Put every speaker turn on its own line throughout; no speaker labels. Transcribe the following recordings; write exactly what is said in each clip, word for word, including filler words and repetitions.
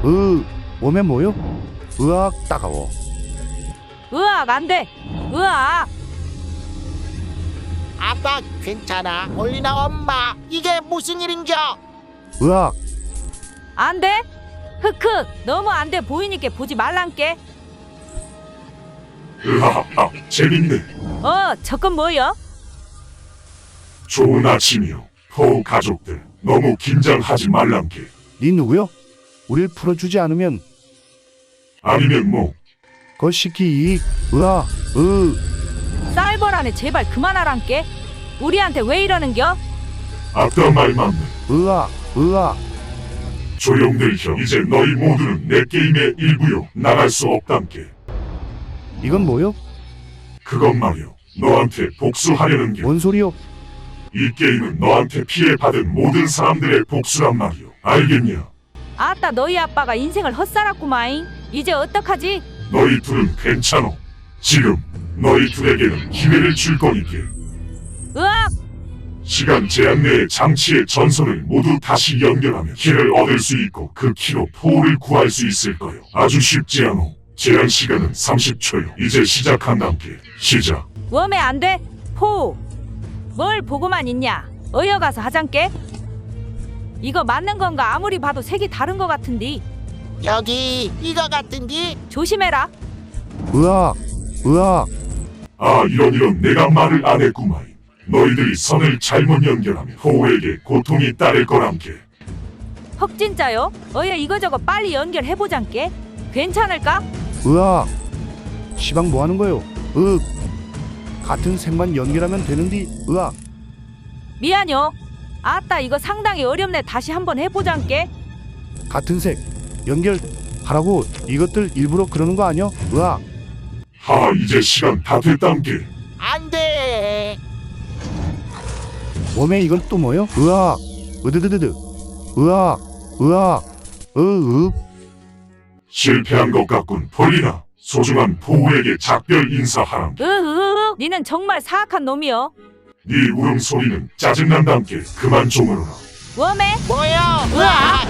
으, 오면 뭐요? 으악, 따가워.
으악 안돼. 으악.
아빠 괜찮아. 폴리나 엄마 이게 무슨 일인겨?
으악,
안돼. 흑흑 너무 안돼 보이니까 보지 말란께.
으하하, 재밌네.
어 저건 뭐여?
좋은 아침이요. 포 가족들, 너무 긴장하지 말란게.
니 누구요? 우릴 풀어주지 않으면
아니면 뭐,
거시기 이익. 으아, 으,
쌀벌하네 제발 그만하란께. 우리한테 왜 이러는겨?
아까 말 맞네.
으아, 으아.
조용들 형, 이제 너희 모두는 내 게임의 일부요. 나갈 수 없단게.
이건 뭐요?
그것 말이요. 너한테 복수하려는 게.
뭔 소리요?
이 게임은 너한테 피해받은 모든 사람들의 복수란 말이요. 알겠냐?
아따 너희 아빠가 인생을 헛살았구마잉. 이제 어떡하지?
너희 둘은 괜찮어. 지금 너희 둘에게는 기회를 줄 거니께.
으악.
시간 제한 내에 장치의 전선을 모두 다시 연결하면 키를 얻을 수 있고 그 키로 포를 구할 수 있을 거요. 아주 쉽지 않어. 제한 시간은 삼십 초요. 이제 시작한단께. 시작.
웜에 안돼. 포. 뭘 보고만 있냐? 어여 가서 하잔께. 이거 맞는 건가? 아무리 봐도 색이 다른 거 같은디.
여기 이거 같은디?
조심해라.
으악, 으악.
아 이런 이런 내가 말을 안 했구만. 너희들이 선을 잘못 연결하면 포에게 고통이 따를 거란께.
헉 진짜요? 어여 이거저거 빨리 연결해보잔께. 괜찮을까?
으악. 시방 뭐 하는 거요? 으, 같은 색만 연결하면 되는디. 으악.
미안요. 아따 이거 상당히 어렵네. 다시 한번 해보잔께.
같은 색 연결 하라고. 이것들 일부러 그러는 거 아니야? 으악.
하 이제 시간 다 됐단께.
안돼.
웜에 이건 또 뭐요? 으악. 으드드드드. 으악. 으악. 으으.
실패한 것 같군. 폴리나 소중한 포우에게 작별 인사하란.
으으으 니는 정말 사악한 놈이여.
네 울음소리는 짜증난단께. 그만 좀 울어라.
웜에
뭐야?
으악.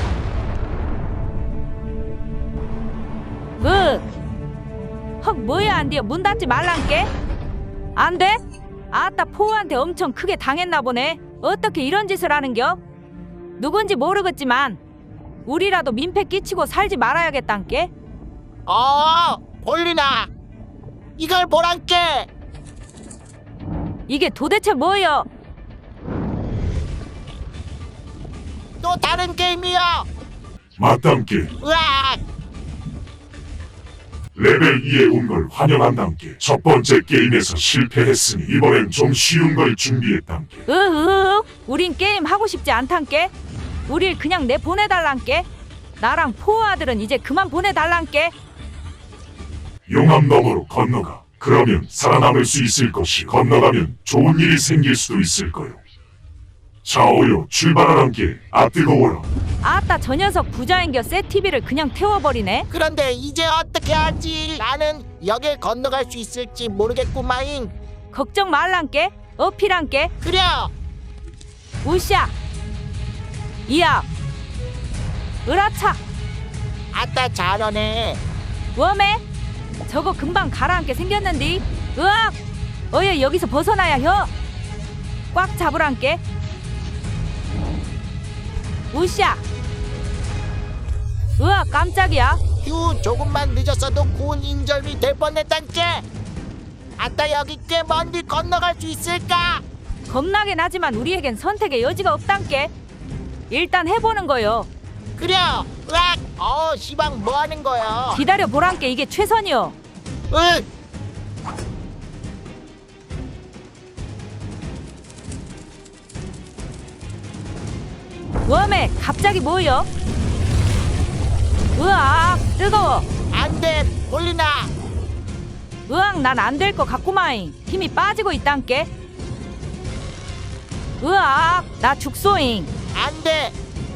으. 헉 뭐야 안돼요. 문 닫지 말란께. 안돼? 아따 포우한테 엄청 크게 당했나 보네. 어떻게 이런 짓을 하는겨? 누군지 모르겠지만 우리라도 민폐 끼치고 살지 말아야겠단께.
어, 폴리나 이걸 보란께.
이게 도대체 뭐여?
또 다른 게임이요.
맞단께.
으악.
레벨 이에 온 걸 환영한단께. 첫 번째 게임에서 실패했으니 이번엔 좀 쉬운 걸 준비했단께.
으으으 우린 게임 하고 싶지 않단께. 우릴 그냥 내 보내달란께. 나랑 포우 아들은 이제 그만 보내달란께.
용암 너머로 건너가. 그러면 살아남을 수 있을 것이. 건너가면 좋은 일이 생길 수도 있을 거요. 자 오요 출발하란께. 아 뜨거워라.
아따 저 녀석 부자인겨. 새 티비를 그냥 태워버리네.
그런데 이제 어떻게 하지? 나는 여길 건너갈 수 있을지 모르겠구마잉.
걱정 말란께. 어필한께.
그래.
우샤 이야 으라차
아따 잘하네.
웜에 저거 금방 가라앉게 생겼는디. 으악 어여 여기서 벗어나야 혀. 꽉 잡으란께. 우샤 으악 깜짝이야.
휴 조금만 늦었어도 구운 인절미 될 뻔했단께. 아따 여기 꽤 먼 길 건너갈 수 있을까?
겁나긴 하지만 우리에겐 선택의 여지가 없단께. 일단 해보는 거요.
그래. 으악. 어 시방 뭐 하는 거야?
기다려 보란께. 이게 최선이요.
으.
웜에 갑자기 뭐요? 으악 뜨거워.
안돼 폴리나.
으악 난 안 될 것 같구마잉. 힘이 빠지고 있단께. 으악 나 죽소잉.
안돼.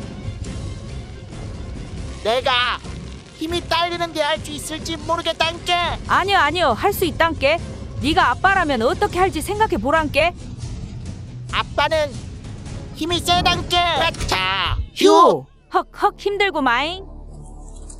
내가 힘이 딸리는데 할 수 있을지 모르겠단께.
아니요 아니요 할 수 있단께. 네가 아빠라면 어떻게 할지 생각해 보란께.
아빠는 힘이 세단께. 자 휴.
휴 헉헉 힘들고 마잉.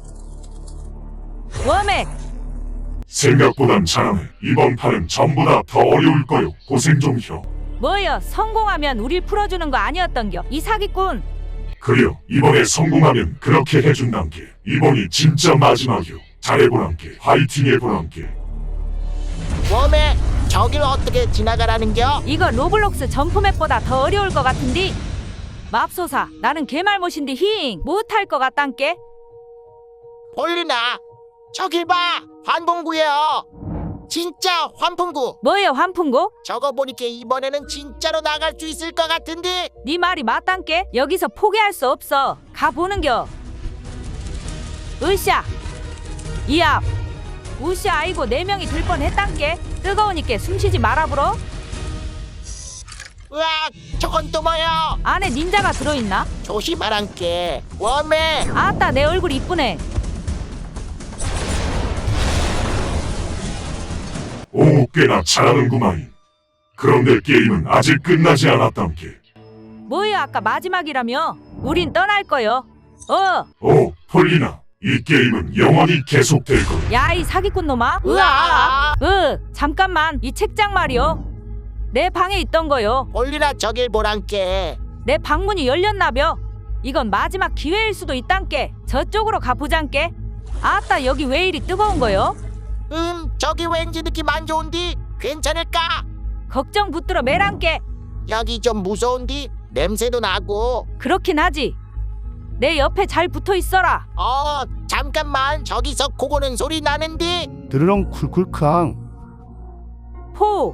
웜에
생각보단 잘하네. 이번 판은 전보다 더 어려울 거요. 고생 좀 혀.
뭐여 성공하면 우릴 풀어주는 거 아니었던겨 이 사기꾼.
그려 이번에 성공하면 그렇게 해준단게. 이번이 진짜 마지막이요. 잘해보란게. 화이팅 해보란게.
웜에 저길 어떻게 지나가라는겨?
이거 로블록스 점프맵보다 더 어려울 것 같은디. 맙소사 나는 개말못인디 힝 못할 것 같단께.
폴리나 저길 봐. 환풍구예요. 진짜 환풍구.
뭐여 환풍구?
저거 보니까 이번에는 진짜로 나갈 수 있을 것 같은데.
네 말이 맞단께. 여기서 포기할 수 없어. 가보는겨. 으쌰 이압 우쌰 아이고 네 명이 들 뻔했단께. 뜨거우니까 숨쉬지 말아불어.
으악 저건 또 뭐야?
안에 닌자가 들어있나?
조심하란께. 웜에
아따 내 얼굴 이쁘네.
오, 꽤나 잘하는구만. 그런데 게임은 아직 끝나지 않았단게.
뭐야 아까 마지막이라며? 우린 떠날 거요. 어,
오, 폴리나. 이 게임은 영원히 계속될 거야.
야 이 사기꾼 놈아.
으악.
으, 잠깐만 이 책장 말이요. 내 방에 있던 거요.
폴리나 저길 보란께.
내 방문이 열렸나벼. 이건 마지막 기회일 수도 있단께. 저쪽으로 가보잔께. 아따 여기 왜 이리 뜨거운 거요?
음 저기 왠지 느낌 안 좋은디. 괜찮을까?
걱정 붙들어 매란께.
여기 좀 무서운디. 냄새도 나고.
그렇긴 하지. 내 옆에 잘 붙어 있어라.
어 잠깐만 저기서 고고는 소리 나는디.
드르렁 쿨쿨크앙.
포.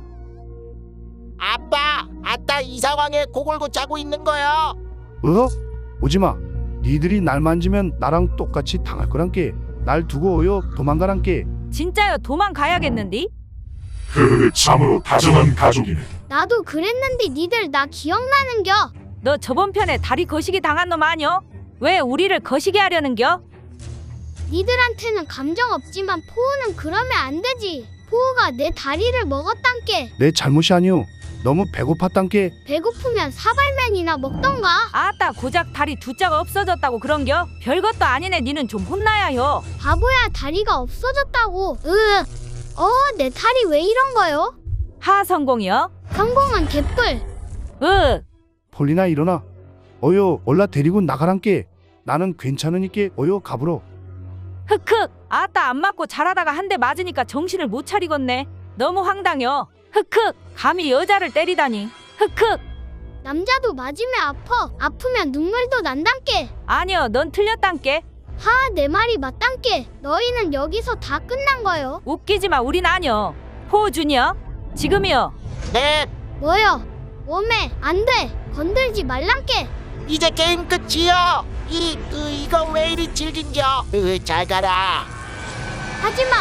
아빠 아따 이 상황에 고골고 자고 있는 거야.
어? 오지마. 니들이 날 만지면 나랑 똑같이 당할 거란께. 날 두고 오요 도망가란께.
진짜요 도망가야겠는디?
흐흐, 참으로 다정한 가족이네.
나도 그랬는데 니들 나 기억나는겨?
너 저번 편에 다리 거시기 당한 놈 아니여? 왜 우리를 거시기 하려는겨?
니들한테는 감정 없지만 포우는 그러면 안 되지. 포우가 내 다리를 먹었단께.
내 잘못이 아니오. 너무 배고팠단께.
배고프면 사발면이나 먹던가.
아따 고작 다리 두 짝 없어졌다고 그런겨? 별것도 아니네. 니는 좀 혼나야요.
바보야 다리가 없어졌다고. 으. 어, 내 다리 왜 이런 거요?
하 성공이요?
성공은 개뿔.
으.
폴리나 일어나. 어여 올라 데리고 나가란께. 나는 괜찮으니께 어여 가불어.
흑흑. 아따 안 맞고 잘하다가 한 대 맞으니까 정신을 못 차리겠네. 너무 황당여. 흑흑. 감히 여자를 때리다니. 흑흑.
남자도 맞으면 아파. 아프면 눈물도 난단께.
아니여 넌 틀렸단께.
하, 내 말이 맞단께. 너희는 여기서 다 끝난 거요.
웃기지마 우린 아니여. 포 주니어. 지금이여.
네
뭐요? 웜에 안 돼. 건들지 말란께.
이제 게임 끝이요. 이 으, 이거 왜 이리 질긴겨? 으, 잘 가라.
하지마.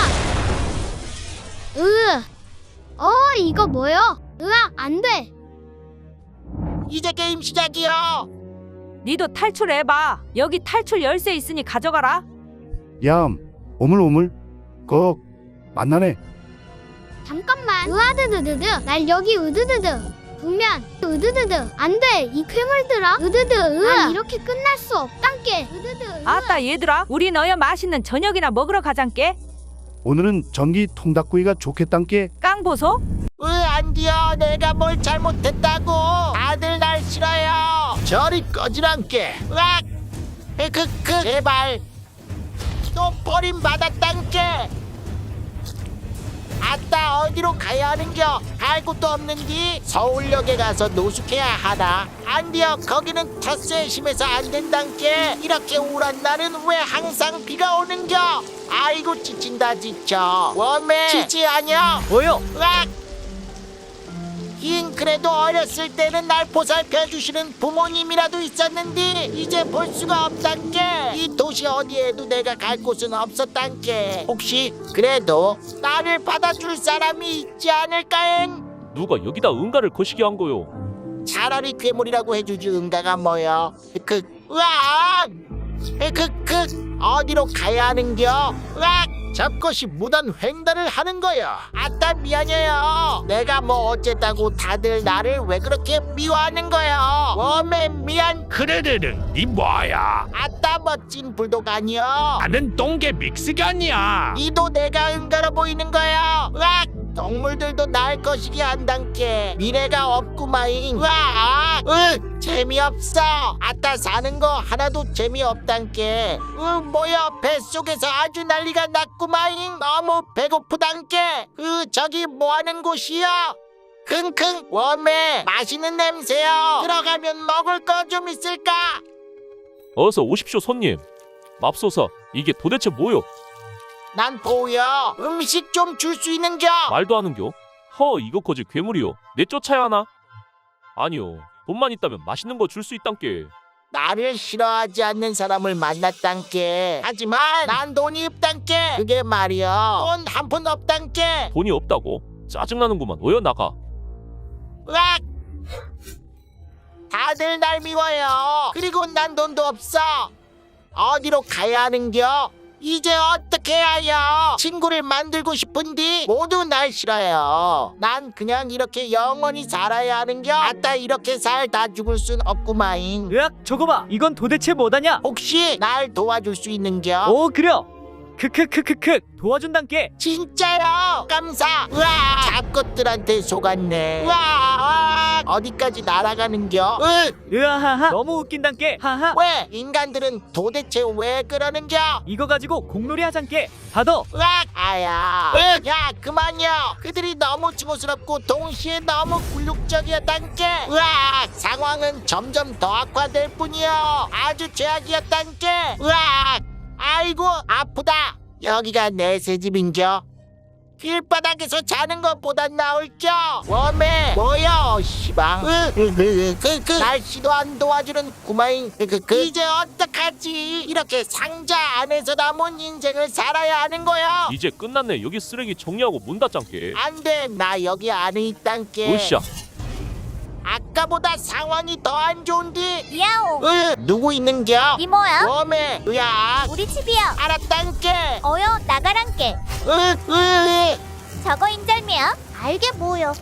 으악. 으. 어, 이거 뭐요? 으악, 안 돼.
이제 게임 시작이요.
니도 탈출해봐. 여기 탈출 열쇠 있으니 가져가라.
얌. 오물오물. 꺽. 만나네.
잠깐만. 으아드드드드. 날 여기 으드드드. 분면 으드드드. 안 돼. 이 괴물들아. 으드드. 으아. 이렇게 끝날 수 없단께. 으드드. 으아.
아따 얘들아 우리 너여 맛있는 저녁이나 먹으러 가잔께.
오늘은 전기 통닭구이가 좋겠단께.
깡보소?
으, 안 돼요. 내가 뭘 잘못했다고. 다들 날 싫어요. 저리 꺼지란께. 으악. 크크 제발. 또 버림받았단께. 아따 어디로 가야 하는겨? 갈 곳도 없는디. 서울역에 가서 노숙해야 하나? 안 돼요. 거기는 텃세에 심해서 안 된단께. 이렇게 우울한 날은 왜 항상 비가 오는겨? 아이고 지친다 지쳐. 웜에 지치 아냐?
뭐요?
으악! 흰 그래도 어렸을 때는 날 보살펴 주시는 부모님이라도 있었는데 이제 볼 수가 없단께. 이 도시 어디에도 내가 갈 곳은 없었단께. 혹시 그래도 나를 받아줄 사람이 있지 않을까잉?
누가 여기다 응가를 거시기 한 거요?
차라리 괴물이라고 해주지 응가가 뭐여. 그 으악! 그, 그 어디로 가야 하는겨? 으악! 잡것이 무단 횡단을 하는 거야. 아따 미안해요. 내가 뭐 어쨌다고 다들 나를 왜 그렇게 미워하는 거야. 웜에 미안.
그래르르 니 뭐야?
아따 멋진 불독 아니여.
나는 똥개 믹스가 아니야.
니도 내가 은가로 보이는 거야. 으악! 동물들도 날 거시기 한단께 미래가 없구마잉. 으악! 으 재미없어. 아따 사는 거 하나도 재미없단께. 으 뭐야 뱃속에서 아주 난리가 났구마잉. 너무 배고프단께. 으 저기 뭐하는 곳이야? 킁킁 웜에 맛있는 냄새요. 들어가면 먹을 거 좀 있을까?
어서 오십시오 손님. 맙소사 이게 도대체 뭐요?
난 보여. 음식 좀 줄 수 있는겨?
말도 하는겨? 허 이거 거지 괴물이요. 내 쫓아야 하나? 아니요. 돈만 있다면 맛있는 거 줄 수 있단께.
나를 싫어하지 않는 사람을 만났단께. 하지만 난 돈이 없단께. 그게 말이여. 돈 한 푼 없단께.
돈이 없다고? 짜증나는구만. 어여 나가.
으악! 다들 날 미워요. 그리고 난 돈도 없어. 어디로 가야 하는겨? 이제 어떻게 해야 해요? 친구를 만들고 싶은디 모두 날 싫어요. 난 그냥 이렇게 영원히 살아야 하는겨. 아따 이렇게 살다 죽을 순 없구마잉.
으악 저거 봐 이건 도대체 뭐다냐.
혹시 날 도와줄 수 있는겨?
오 그려 크크크크크 도와준단께.
진짜요? 감사. 우와 잡것들한테 속았네. 우와 어디까지 날아가는겨? 으,
으아하하 너무 웃긴단께. 하하
왜 인간들은 도대체 왜 그러는겨?
이거 가지고 공놀이 하잔께. 받어.
으악 아야. 으, 야 그만요. 그들이 너무 증오스럽고 동시에 너무 굴욕적이었단께. 으악 상황은 점점 더 악화될 뿐이요. 아주 최악이었단께. 으악 아이고 아프다. 여기가 내 새 집인겨. 길바닥에서 자는 것보단 나을겨. 웜에 뭐여 시방. 그그 날씨도 안 도와주는 구마잉. 그, 그, 이제 어떡하지. 이렇게 상자 안에서 남은 인생을 살아야 하는 거야.
이제 끝났네. 여기 쓰레기 정리하고 문 닫잔께.
안돼 나 여기 안에 있단께.
으쌰.
아까보다 상황이 더 안 좋은데.
야옹
으 누구 있는겨?
이모야
웜에 으야
우리 집이야
알았단께.
어여 나가란께
으으
저거 인절미야 알게 뭐여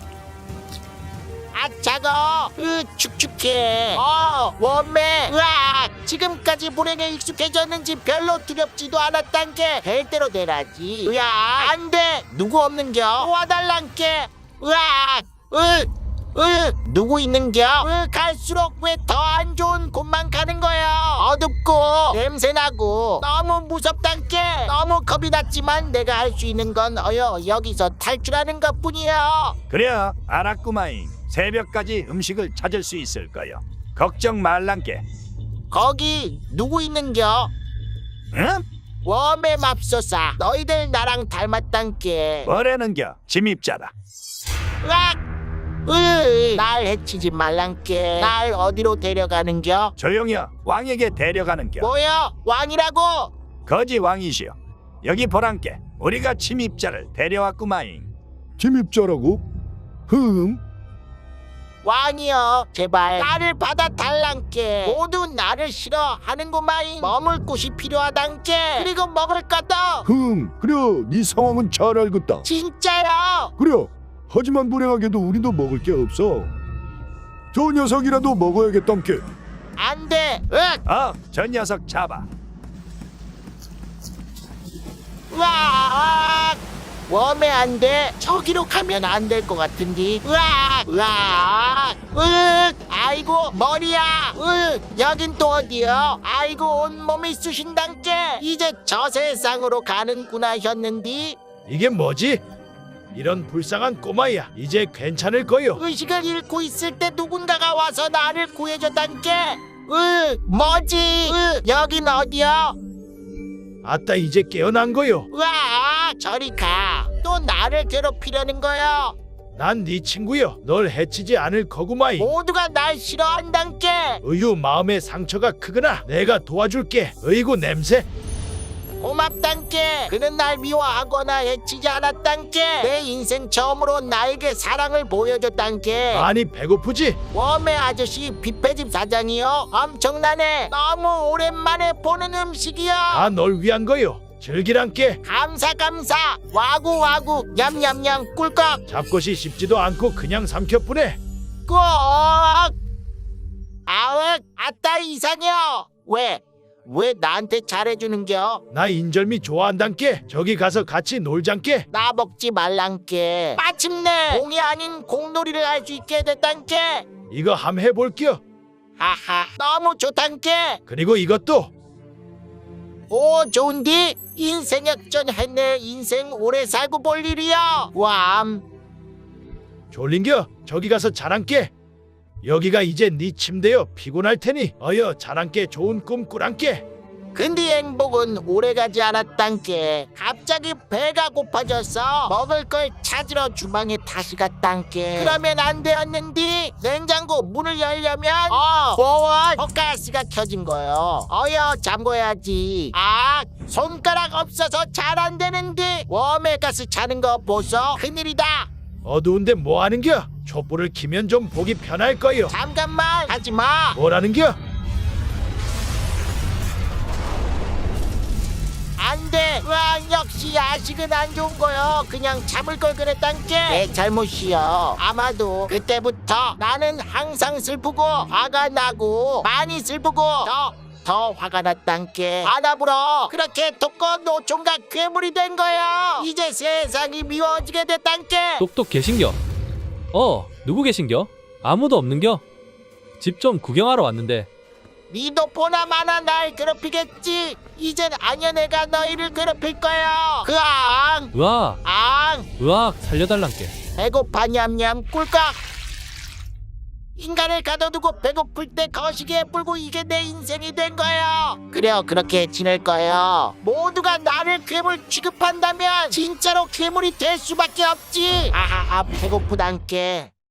아 차가. 으 축축해. 어 웜에 으악 지금까지 불행에 익숙해졌는지 별로 두렵지도 않았단께. 될 대로 되라지. 으야 안돼 누구 없는겨? 와달란께. 으악 으 으 누구 있는겨? 으 갈수록 왜 더 안 좋은 곳만 가는 거야. 어둡고 냄새나고 너무 무섭단께. 너무 겁이 났지만 내가 할 수 있는 건 어여 여기서 탈출하는 것뿐이야.
그래 알았구마잉. 새벽까지 음식을 찾을 수 있을 거요. 걱정 말란께.
거기 누구 있는겨?
응?
웜의 맙소사 너희들 나랑 닮았단께.
뭐라는겨? 침입자다.
으악 으, 날 해치지 말란께. 날 어디로 데려가는겨?
조용히여. 왕에게 데려가는겨.
뭐여 왕이라고?
거지 왕이시여. 여기 보란께. 우리가 침입자를 데려왔구마잉.
침입자라고? 흠.
왕이여 제발 나를 받아달란께. 모두 나를 싫어하는구마잉. 머물 곳이 필요하단께. 그리고 먹을 것도.
흠. 그래 네 상황은 잘 알겠다.
진짜요?
그래. 하지만 불행하게도 우리도 먹을 게 없어. 저 녀석이라도 먹어야겠단께.
안돼. 으악
어, 저 녀석 잡아.
으악 웜에 안돼. 저기로 가면 안 될 것 같은데. 으악 으악 으 아이고 머리야. 으 여긴 또 어디요? 아이고 온몸이 쑤신단께. 이제 저 세상으로 가는구나 했는디.
이게 뭐지? 이런 불쌍한 꼬마야. 이제 괜찮을 거요.
의식을 잃고 있을 때 누군가가 와서 나를 구해줬단께. 으 뭐지? 으 여긴 어디요?
아따 이제 깨어난 거요.
으아 저리 가. 또 나를 괴롭히려는 거요.
난 네 친구요. 널 해치지 않을 거구마이.
모두가 날 싫어한단께.
의유 마음의 상처가 크구나. 내가 도와줄게. 어이구 냄새.
고맙단께. 그는 날 미워하거나 해치지 않았단께. 내 인생 처음으로 나에게 사랑을 보여줬단께.
많이 배고프지?
웜의 아저씨 뷔페집 사장이요. 엄청나네. 너무 오랜만에 보는 음식이요.
다 널 위한 거요. 즐기란께.
감사 감사. 와구 와구. 냠냠냠 꿀꺽.
잡것이 씹지도 않고 그냥 삼켜뿐해.
꼭. 아흑 아따 이상해요. 왜? 왜 나한테 잘해주는겨?
나 인절미 좋아한단께. 저기 가서 같이 놀잔께.
나 먹지 말란께. 마침내 공이 아닌 공놀이를 할 수 있게 됐단께.
이거 함 해볼게요.
하하 너무 좋단께.
그리고 이것도.
오 좋은디. 인생 역전했네. 인생 오래 살고 볼 일이야. 왬.
졸린겨. 저기 가서 자란께. 여기가 이제 네 침대여. 피곤할 테니 어여 자란께. 좋은 꿈 꾸란께.
근데 행복은 오래가지 않았단께. 갑자기 배가 고파져서 먹을 걸 찾으러 주방에 다시 갔단께. 그러면 안 되었는디. 냉장고 문을 열려면 어 보원 헛가스가 켜진 거요. 어여 잠궈야지. 아 손가락 없어서 잘 안 되는디. 웜에가스 자는 거 보소. 큰일이다.
어두운데 뭐 하는겨? 촛불을 키면 좀 보기 편할 거요.
잠깐만 하지마.
뭐라는겨?
안돼. 와 역시 야식은 안 좋은 거요. 그냥 참을 걸 그랬단께. 내 잘못이요. 아마도 그때부터 나는 항상 슬프고 화가 나고 많이 슬프고 더 더 화가 났단께. 안아불어. 그렇게 독거 노총각 괴물이 된 거요. 이제 세상이 미워지게 됐단께.
똑똑 계신겨? 어, 누구 계신겨? 아무도 없는겨? 집 좀 구경하러 왔는데.
니도 보나 마나 날 괴롭히겠지. 이젠 아녀네가 너희를 괴롭힐 거요. 그앙
으악,
앙
으악, 살려달란께.
배고파 냠냠 꿀꺽. 인간을 가둬두고 배고플 때 거시기에 뿔고 이게 내 인생이 된 거요. 그래요 그렇게 지낼 거요. 모두가 나를 괴물 취급한다면 진짜로 괴물이 될 수밖에 없지. 아하하 배고프단께.